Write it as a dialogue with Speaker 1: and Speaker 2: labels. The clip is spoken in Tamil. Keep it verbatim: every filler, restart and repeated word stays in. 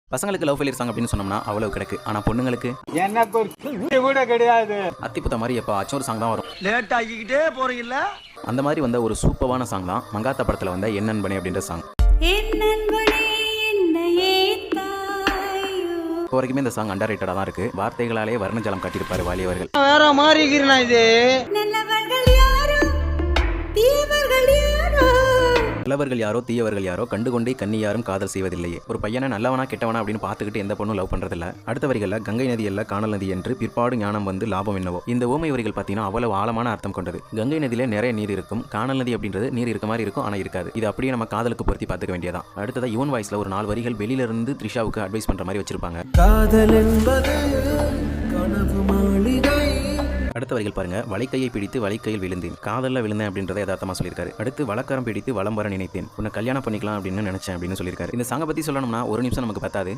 Speaker 1: பசங்களுக்கு லவ் ஃபெயிலியர் சாங் அப்படின்னு சொன்னோம்னா அவ்வளவு கிடக்கு. ஆனா பொண்ணுங்களுக்கு
Speaker 2: எனக்கு ஒரு கூட கிடையாது.
Speaker 1: அத்திப்புத்த மாதிரி எப்போ ஆச்சும் ஒரு சாங் தான் வரும்.
Speaker 2: லேட் ஆகிக்கிட்டே போறீங்கல்ல.
Speaker 1: அந்த மாதிரி வந்த ஒரு சூப்பரான சாங் தான் மங்காத்தா படத்துல வந்த என் நண்பனே அப்படின்ற சாங். இப்போ வரைக்குமே இந்த சாங் அண்டர் ரேட்டடா தான் இருக்கு. வார்த்தைகளாலே வர்ணஜலம் காட்டியிருப்பாரு வாலி அவர்கள்.
Speaker 2: வேற மாதிரி இருக்கிறேன் இது.
Speaker 1: நல்லவர்கள் யாரோ தீயவர்கள் யாரோ கண்டுகொண்டே கண்ணி யாரும் காதல் செய்வதில்லையே. ஒரு பையனை நல்லவனா கெட்டவனா அப்படின்னு பார்த்துக்கிட்டு எந்த பொண்ணும் லவ் பண்றதில்ல. அடுத்த வரிகளில் கங்கை நதி அல்ல காணல் நதி என்று பிற்பாடு ஞானம் வந்து லாபம் என்னவோ. இந்த ஓமை வரிகள் பார்த்தீங்கன்னா அவ்வளவு ஆழமான அர்த்தம் கொண்டது. கங்கை நதியில நிறைய நீர் இருக்கும், காணல் நதி அப்படின்றது நீர் இருக்க மாதிரி இருக்கும், ஆனா இருக்காது. இது அப்படியே நம்ம காதலுக்கு பொருத்தி பார்த்துக்க வேண்டியதான். அடுத்ததா யுவன் வாய்ஸ்ல ஒரு நாலு வரிகள் வெளியில இருந்து த்ரிஷாவுக்கு அட்வைஸ் பண்ற மாதிரி வச்சிருப்பாங்க.
Speaker 2: காதல் என்பது கனவு மாளிகை.
Speaker 1: அடுத்த வரிகள் பாருங்க. வலைக்கையை பிடித்து வலைக்கையில் விழுந்தேன், காதல்ல விழுந்தேன் அப்படின்றத யதார்த்தமா சொல்லியிருக்காரு. அடுத்து வழக்கரம் பிடித்து வலம் வர நினைத்தேன், உன்னை கல்யாணம் பண்ணிக்கலாம் அப்படின்னு நினைச்சேன் அப்படின்னு சொல்லியிருக்காரு. இந்த சாங்கை பத்தி சொல்லணும்னா ஒரு நிமிஷம் நமக்கு பத்தாது.